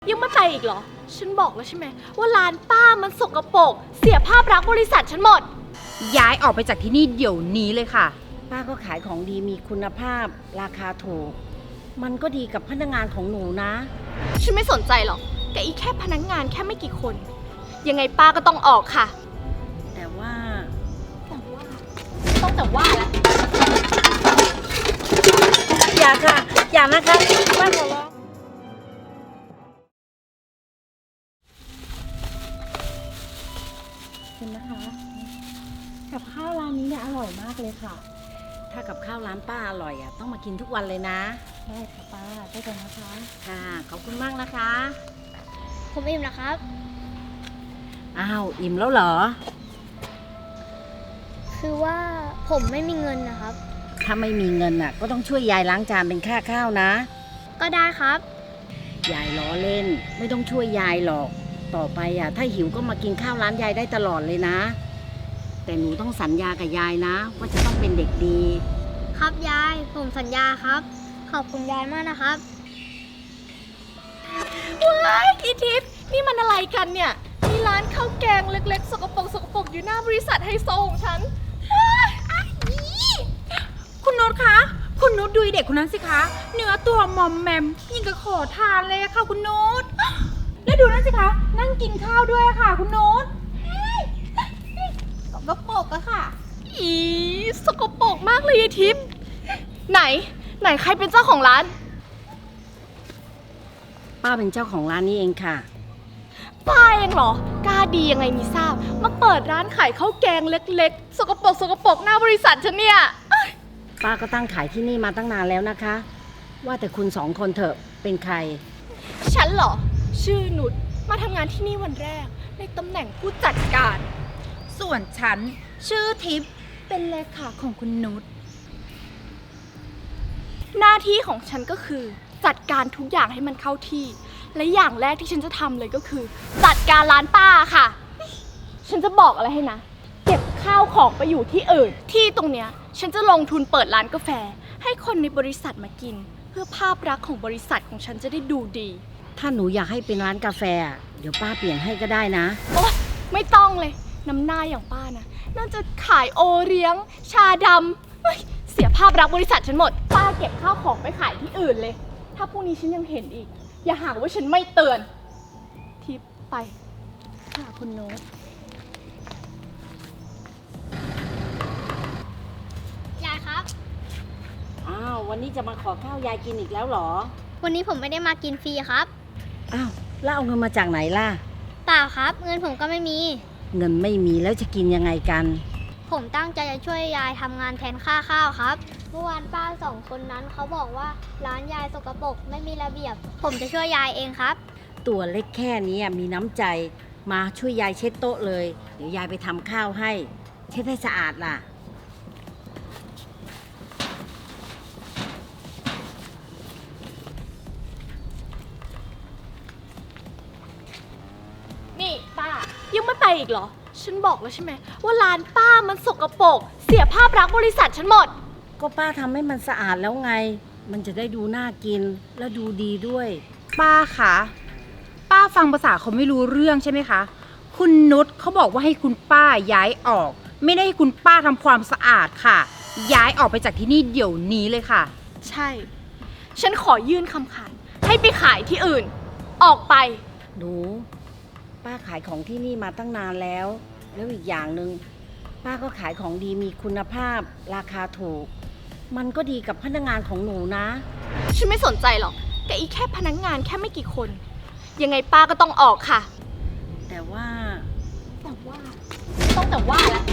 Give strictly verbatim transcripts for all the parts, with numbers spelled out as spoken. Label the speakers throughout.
Speaker 1: ยังไม่ไปอีกเหรอฉันบอกแล้วใช่ไหมว่าร้านป้ามันสกปรกเสียภาพลักษณ์บริษัทฉันหมด
Speaker 2: ย้ายออกไปจากที่นี่เดี๋ยวนี้เลยค่ะ
Speaker 3: ป้าก็ขายของดีมีคุณภาพราคาถูกมันก็ดีกับพนักงานของหนูนะ
Speaker 1: ฉันไม่สนใจหรอกแต่อีแค่พนักงานแค่ไม่กี่คนยังไงป้าก็ต้องออกค่ะ
Speaker 3: แต่ว่า
Speaker 1: แต่ว่าต้องแต่ว่าแล้ว
Speaker 3: อย่าค่ะอย่านะคะป้าขอร้องเห็นนะคะกับข้าวร้านนี้เนี่ยอร่อยมากเลยค่ะถ้ากับข้าวร้านป้าอร่อยอ่ะต้องมากินทุกวันเลยนะได้ค่ะป้าได้กันนะคะค่ะขอบคุณมากนะคะ
Speaker 4: ผมอิ่มแล้วครับ
Speaker 3: อ้าวอิ่มแล้วเหรอ
Speaker 4: คือว่าผมไม่มีเงินนะครับ
Speaker 3: ถ้าไม่มีเงินน่ะก็ต้องช่วยยายล้างจานเป็นค่าข้าวนะ
Speaker 4: ก็ได้ครับ
Speaker 3: ยายล้อเล่นไม่ต้องช่วยยายหรอกต่อไปอ่ะถ้าหิวก็มากินข้าวร้านยายได้ตลอดเลยนะแต่หนูต้องสัญญากับยายนะว่าจะต้องเป็นเด็กดี
Speaker 4: ครับยายผมสัญญาครับขอบคุณยายมากนะครับ
Speaker 1: ว้ายอีทิพย์นี่มันอะไรกันเนี่ยมีร้านข้าวแกงเล็กๆสกปรกสกปรกอยู่หน้าบริษัทไฮโซของฉัน
Speaker 2: คุณนุชคะคุณนุชดูเด็กคนนั้นสิคะเนื้อตัวมอมแมมยิ่งกับขอทานเลยค่ะคุณนุชแล้วดูนั่นสิคะนั่งกินข้าวด้วยค่ะคุณนุชสกปรกอะค่ะ
Speaker 1: อีสกปรกมากเลยอีทิพย์ไหนไหนใครเป็นเจ้าของร้าน
Speaker 3: ป้าเป็นเจ้าของร้านนี้เองค่ะ
Speaker 1: ป้าเองเหรอกล้าดียังไงมีทราบมาเปิดร้านขายข้าวแกงเล็กๆสกปรกสกปรกหน้าบริษัทฉันเนี่ย
Speaker 3: ป้าก็ตั้งขายที่นี่มาตั้งนานแล้วนะคะว่าแต่คุณสองคนเถอะเป็นใคร
Speaker 1: ฉันเหรอชื่อนุชมาทำงานที่นี่วันแรกในตำแหน่งผู้จัดการ
Speaker 2: ส่วนฉันชื่อทิพย์เป็นเลขาของคุณนุช
Speaker 1: หน้าที่ของฉันก็คือจัดการทุกอย่างให้มันเข้าที่และอย่างแรกที่ฉันจะทำเลยก็คือจัดการร้านป้าค่ะฉันจะบอกอะไรให้นะเก็บข้าวของไปอยู่ที่อื่นที่ตรงเนี้ยฉันจะลงทุนเปิดร้านกาแฟให้คนในบริษัทมากินเพื่อภาพลักษณ์ของบริษัทของฉันจะได้ดูดี
Speaker 3: ถ้าหนูอยากให้เป็นร้านกาแฟเดี๋ยวป้าเปลี่ยนให้ก็ได้นะ
Speaker 1: โอ๊ยไม่ต้องเลยน้ำหน้าอย่างป้านะน่าจะขายโอเลี้ยงชาดำเสียภาพลักษณ์บริษัทฉันหมดป้าเก็บข้าวของไปขายที่อื่นเลยถ้าพรุ่งนี้ฉันยังเห็นอีกอย่าหาว่าฉันไม่เตือนทิปไปค่ะคุณโน้ต
Speaker 4: ยายครับ
Speaker 3: อ้าววันนี้จะมาขอข้าวยายกินอีกแล้วเหรอ
Speaker 4: วันนี้ผมไม่ได้มากินฟรีครับ
Speaker 3: อ้าวแล้วเอาเงินมาจากไหนล่ะ
Speaker 4: เปล่าครับเงินผมก็ไม่มี
Speaker 3: เงินไม่มีแล้วจะกินยังไงกัน
Speaker 4: ผมตั้งใจจะช่วยยายทำงานแทนค่าข้าวครับเมื่อวานป้าสองคนนั้นเขาบอกว่าร้านยายสกปรกไม่มีระเบียบผมจะช่วยยายเองครับ
Speaker 3: ตัวเล็กแค่นี้มีน้ำใจมาช่วยยายเช็ดโต๊ะเลยเดี๋ยวยายไปทำข้าวให้เช็ดให้สะอาดล่ะ
Speaker 1: นี่ป้ายังไม่ไปอีกเหรอฉันบอกแล้วใช่ไหมว่าร้านป้ามันสกปรกเสียภาพลักษณ์บริษัทฉันหมด
Speaker 3: ก็ป้าทำให้มันสะอาดแล้วไงมันจะได้ดูน่ากินและดูดีด้วย
Speaker 2: ป้าคะป้าฟังภาษาเขาไม่รู้เรื่องใช่ไหมคะคุณนุชเขาบอกว่าให้คุณป้าย้ายออกไม่ได้ให้คุณป้าทำความสะอาดค่ะย้ายออกไปจากที่นี่เดี๋ยวนี้เลยค่ะ
Speaker 1: ใช่ฉันขอยื่นคำขาดให้ไปขายที่อื่นออกไป
Speaker 3: หนูป้าขายของที่นี่มาตั้งนานแล้วแล้วอีกอย่างหนึ่งป้าก็ขายของดีมีคุณภาพราคาถูกมันก็ดีกับพนักงานของหนูนะ
Speaker 1: ฉันไม่สนใจหรอกแต่อีแค่พนักงานแค่ไม่กี่คนยังไงป้าก็ต้องออกค่ะ
Speaker 3: แต่ว่า
Speaker 1: แต่ว่าต้องแต่ว่าแล้ว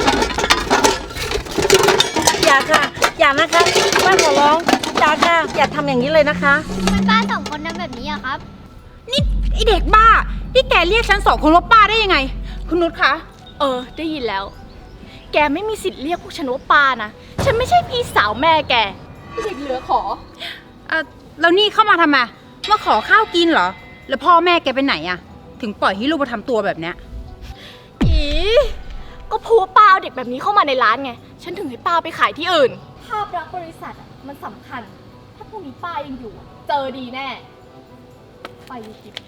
Speaker 3: อย่าค่ะอย่านะคะป้าขอร้องอย่าค่ะอย่าทำอย่างนี้เลยนะคะ
Speaker 4: ทำไมป้าสองคนทำแบบนี้อะครับ
Speaker 2: นี่ไอเด็กบ้านี่แกเรียกฉันสองคนว่าป้าได้ยังไงคุณนุชคะ
Speaker 1: เออได้ยินแล้วแกไม่มีสิทธิ์เรียกพวกฉันว่าป้านะฉันไม่ใช่พี่สาวแม่แกเด็กเหลือขอ
Speaker 2: เออแล้วนี่เข้ามาทำไมมาขอข้าวกินเหรอแล้วพ่อแม่แกไปไหนอะถึงปล่อยให้ลูกมาทำตัวแบบเนี้ย
Speaker 1: อีก็พูดป้าเอาเด็กแบบนี้เข้ามาในร้านไงฉันถึงให้ป้าไปขายที่อื่นภาพลักษณ์บริษัทมันสำคัญถ้าพวกนี้ป้ายังอยู่เจอดีแน่ไปทิพย์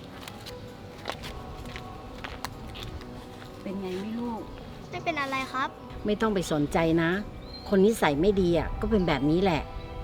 Speaker 3: เป็นไงไม่ลูก
Speaker 4: ไม่เป็นอะไรครับ
Speaker 3: ไม่ต้องไปสนใจนะ คนนิสัยไม่ดีอ่ะก็เป็นแบบนี้แหละ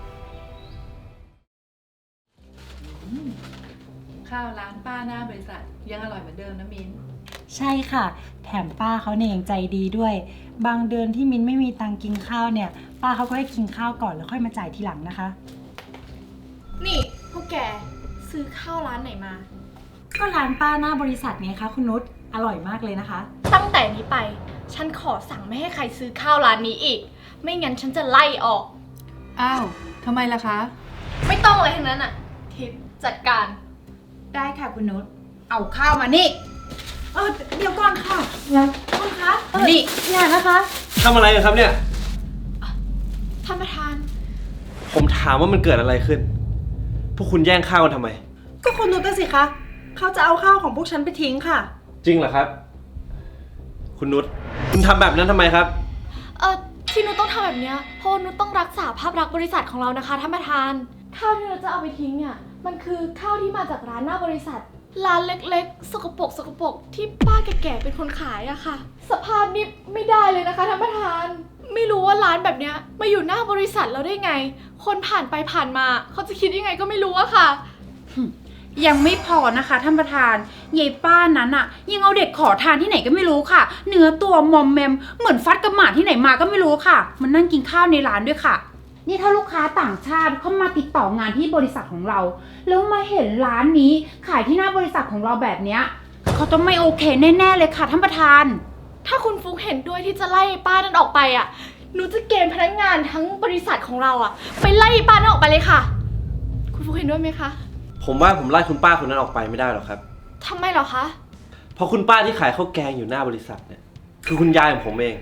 Speaker 5: ข้าวร้านป้าหน้าบริษัทยังอร่อยเหมือนเดิมนะมิ้น
Speaker 6: ใช่ค่ะ แถมป้าเขาเนี่ยยังใจดีด้วย บางเดือนที่มิ้นไม่มีตังค์กินข้าวเนี่ย ป้าเขาก็ให้กินข้าวก่อนแล้วค่อยมาจ่ายทีหลังนะคะ
Speaker 1: นี่พวกแกซื้อข้าวร้านไหนมา
Speaker 6: ก็ร้านป้าหน้าบริษัทไงคะคุณนุชอร่อยมากเลยนะคะ
Speaker 1: ตั้งแต่นี้ไป ฉันขอสั่งไม่ให้ใครซื้อข้าวร้านนี้อีก ไม่งั้นฉันจะไล่ออก
Speaker 5: อ้าวทำไมล่ะคะ
Speaker 1: ไม่ต้องอะไรทั้งนั้นอ่ะ ทิพย์จัดการ
Speaker 2: ได้ค่ะคุณนุชเอาข้าวมานี่
Speaker 6: เออเดี๋ยวก่อนค่ะเดี๋ยวคุณคะเออ
Speaker 2: นี่
Speaker 6: อย่านะคะ
Speaker 7: ทำอะไรกันครับเนี่ย
Speaker 1: ท่านประธาน
Speaker 7: ผมถามว่ามันเกิดอะไรขึ้น พวกคุณแย่งข้าวกันทำไม
Speaker 6: ก็คุณนุชน่ะสิคะเขาจะเอาข้าวของพวกฉันไปทิ้งค่ะ
Speaker 7: จริงเหรอครับ คุณนุช คุณทำแบบนั้นทำไมครับ
Speaker 1: เออที่นุชต้องทำแบบเนี้ยเพราะนุชต้องรักษาภาพลักษณ์บริษัทของเรานะคะท่านประธาน ข้าวที่เราจะเอาไปทิ้งเนี่ยมันคือข้าวที่มาจากร้านหน้าบริษัท ร้านเล็กๆ สกปรกสกปรกที่ป้าแก่ๆเป็นคนขายอะค่ะ สภาพนี้ไม่ได้เลยนะคะท่านประธาน ไม่รู้ว่าร้านแบบเนี้ยมาอยู่หน้าบริษัทเราได้ไง คนผ่านไปผ่านมาเขาจะคิดยังไงก็ไม่รู้อะค่ะ
Speaker 2: ยังไม่พอนะคะท่านประธานยายป้านั้นอะยังเอาเด็กขอทานที่ไหนก็ไม่รู้ค่ะ เนื้อตัวมอมแมมเหมือนฟัดกับหมาที่ไหนมาก็ไม่รู้ค่ะ มันนั่งกินข้าวในร้านด้วยค่ะ นี่ถ้าลูกค้าต่างชาติเข้ามาติดต่องานที่บริษัทของเรา แล้วมาเห็นร้านนี้ขายที่หน้าบริษัทของเราแบบเนี้ยเขาต้องไม่โอเคแน่ๆเลยค่ะท่านประธาน
Speaker 1: ถ้าคุณฟุกเห็นด้วยที่จะไล่ป้านั้นออกไปอะหนูจะเกณฑ์พนักงานทั้งบริษัทของเราอะไปไล่ป้านั้นออกไปเลยค่ะ คุณฟุกเห็นด้วยไหมคะ
Speaker 7: ผมว่าผมไล่คุณป้าคนนั้นออกไปไม่ได้หรอกครับ
Speaker 1: ทำไมเหรอคะ
Speaker 7: เพราะคุณป้าที่ขายข้าวแกงอยู่หน้าบริษัทเนี่ย คือคุณยายของผมเอง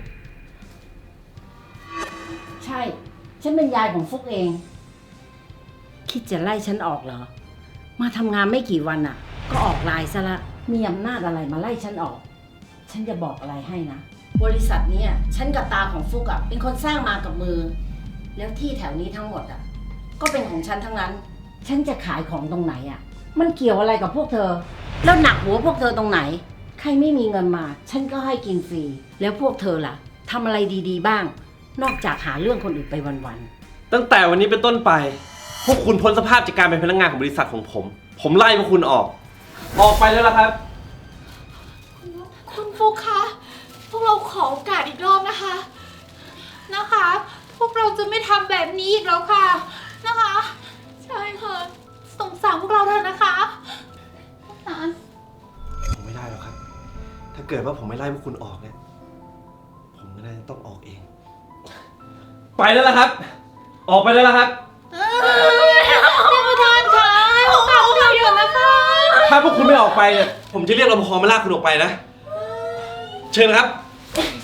Speaker 3: ใช่ ฉันเป็นยายของฟุกเอง คิดจะไล่ฉันออกเหรอ มาทำงานไม่กี่วันอ่ะ ก็ออกไลน์ซะละ มีอำนาจอะไรมาไล่ฉันออก ฉันจะบอกอะไรให้นะ บริษัทเนี้ยฉันกับตาของฟุกอ่ะเป็นคนสร้างมากับมือ แล้วที่แถวนี้ทั้งหมดอ่ะ ก็เป็นของฉันทั้งนั้น ฉันจะขายของตรงไหนอ่ะ มันเกี่ยวอะไรกับพวกเธอ แล้วหนักหัวพวกเธอตรงไหน ใครไม่มีเงินมา ฉันก็ให้กินฟรี แล้วพวกเธอล่ะทำอะไรดีๆบ้าง นอกจากหาเรื่องคนอื่นไปวันๆ
Speaker 7: ตั้งแต่วันนี้เป็นต้นไป พวกคุณพ้นสภาพจากการเป็นพนักงานของบริษัทของผม ผมไล่พวกคุณออก ออกไปแล้วล่ะครับ
Speaker 1: คุณฟุกคะ พวกเราขอโอกาสอีกรอบนะคะ
Speaker 2: นะคะ พวกเราจะไม่ทำแบบนี้อีกแล้วค่ะนะคะ
Speaker 1: ใช่ค่ะ
Speaker 2: สงสารพวกเราเถอะนะคะนะ
Speaker 7: ผมไม่ได้หรอกครับ ถ้าเกิดว่าผมไม่ไล่พวกคุณออกเนี่ย ผมก็น่าจะต้องออกเอง ไปแล้วล่ะครับ ออกไปแล้วล่ะครับ
Speaker 2: ท่านประธานคะให้พวกเราเถอะนะคะ
Speaker 7: ถ้าพวกคุณไม่ออกไปเนี่ย ผมจะเรียกรปภมาลากคุณออกไปนะ เชิญครับ
Speaker 2: น